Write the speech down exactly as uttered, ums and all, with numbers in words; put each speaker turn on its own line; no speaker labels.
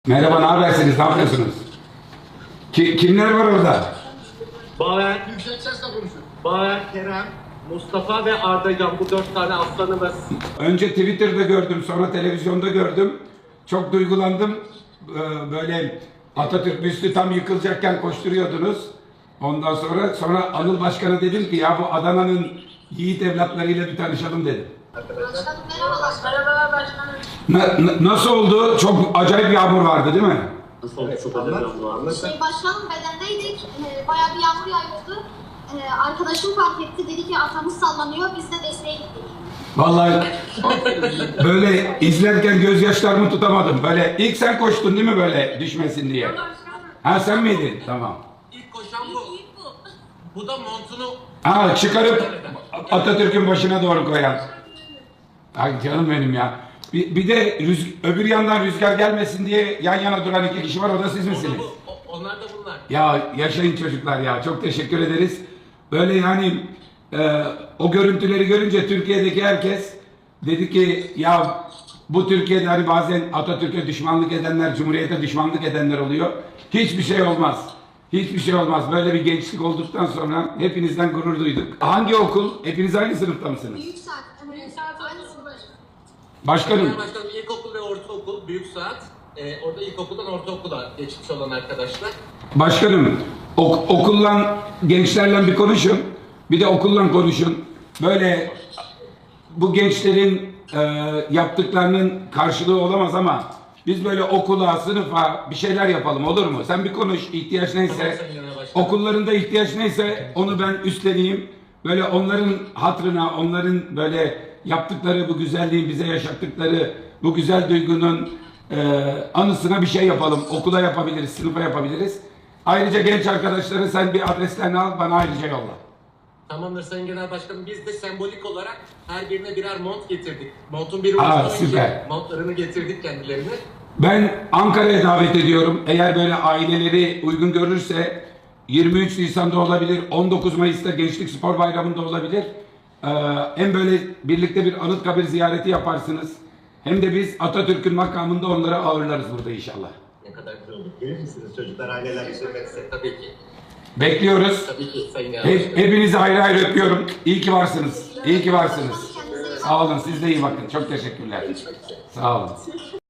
Merhaba, ne habersiniz? Ne yapıyorsunuz? Ki, kimler var orada?
Baver,
Yüksek sesle konuşun.
Baver, Kerem, Mustafa ve Ardacan, bu dört tane aslanımız.
Önce Twitter'da gördüm, sonra televizyonda gördüm. Çok duygulandım. Ee, Böyle Atatürk büstü tam yıkılacakken koşturuyordunuz. Ondan sonra sonra Anıl Başkan'a dedim ki ya bu Adana'nın yiğit evlatlarıyla bir tanışalım dedim.
Başkanım merhabalar. Merhabalar başkanım.
Na- na- nasıl oldu? Çok acayip yağmur vardı değil mi?
Nasıl oldu? Çok önemli var.
Şey başkanım bedendeydik. Ee, bayağı bir yağmur yağıyordu. Ee, arkadaşım fark etti. Dedi ki atamız sallanıyor. Biz de desteğe gittik.
Vallahi böyle izlerken gözyaşlarımı tutamadım. Böyle ilk sen koştun değil mi böyle düşmesin diye? Ha sen miydin? Tamam.
İlk koşan bu. Bu da montunu...
Ha çıkarıp Atatürk'ün başına doğru koyan. Ay canım benim ya. Bir, bir de rüz, öbür yandan rüzgar gelmesin diye yan yana duran iki kişi var. O da siz misiniz?
Bu, o- onlar da bunlar.
Ya yaşayın çocuklar ya. Çok teşekkür ederiz. Böyle yani e, o görüntüleri görünce Türkiye'deki herkes dedi ki ya bu Türkiye'de hani bazen Atatürk'e düşmanlık edenler, Cumhuriyet'e düşmanlık edenler oluyor. Hiçbir şey olmaz. Hiçbir şey olmaz. Böyle bir gençlik olduktan sonra hepinizden gurur duyduk. Hangi okul? Hepiniz aynı sınıfta mısınız?
Büyük saat. Büyük saat aynısı başkanım.
Başkanım.
Genel Başkanım ilkokul ve ortaokul, büyük saat. Ee, orada ilkokuldan ortaokula geçmiş olan arkadaşlar.
Başkanım, ok okullan gençlerle bir konuşun. Bir de okullan konuşun. Böyle bu gençlerin e, yaptıklarının karşılığı olamaz ama biz böyle okula, sınıfa bir şeyler yapalım olur mu? Sen bir konuş, ihtiyaç
Tamam
neyse.
Sayın Genel Başkanım.
Okullarında ihtiyaç neyse onu ben üstleneyim. Böyle onların hatırına, onların böyle yaptıkları bu güzelliğin bize yaşattıkları bu güzel duygunun e, anısına bir şey yapalım. Okula yapabiliriz, sınıfa yapabiliriz. Ayrıca genç arkadaşları sen bir adreslerini al, bana ayrıca yolla.
Tamamdır Sayın Genel Başkanım. Biz de sembolik olarak her birine birer mont getirdik. Montun biri
Aa,
ucundan
süper.
önce montlarını getirdik kendilerine.
Ben Ankara'ya davet ediyorum. Eğer böyle aileleri uygun görürse yirmi üç Nisan'da olabilir, on dokuz Mayıs'ta Gençlik Spor Bayramı'nda olabilir. Ee, hem böyle birlikte bir Anıtkabir ziyareti yaparsınız. Hem de biz Atatürk'ün makamında onları ağırlarız burada inşallah.
Ne kadar güzel olur.
Gelir misiniz çocuklar, aileler üzülmezse?
Tabii ki.
Bekliyoruz.
Tabii ki Sayın Genel
Hep,
Başkanım.
hepinizi ayrı ayrı öpüyorum. İyi ki varsınız. İyi ki varsınız.
Kendinize iyi bakın.
Sağ olun. Siz de iyi bakın. Çok teşekkürler. Sağ olun.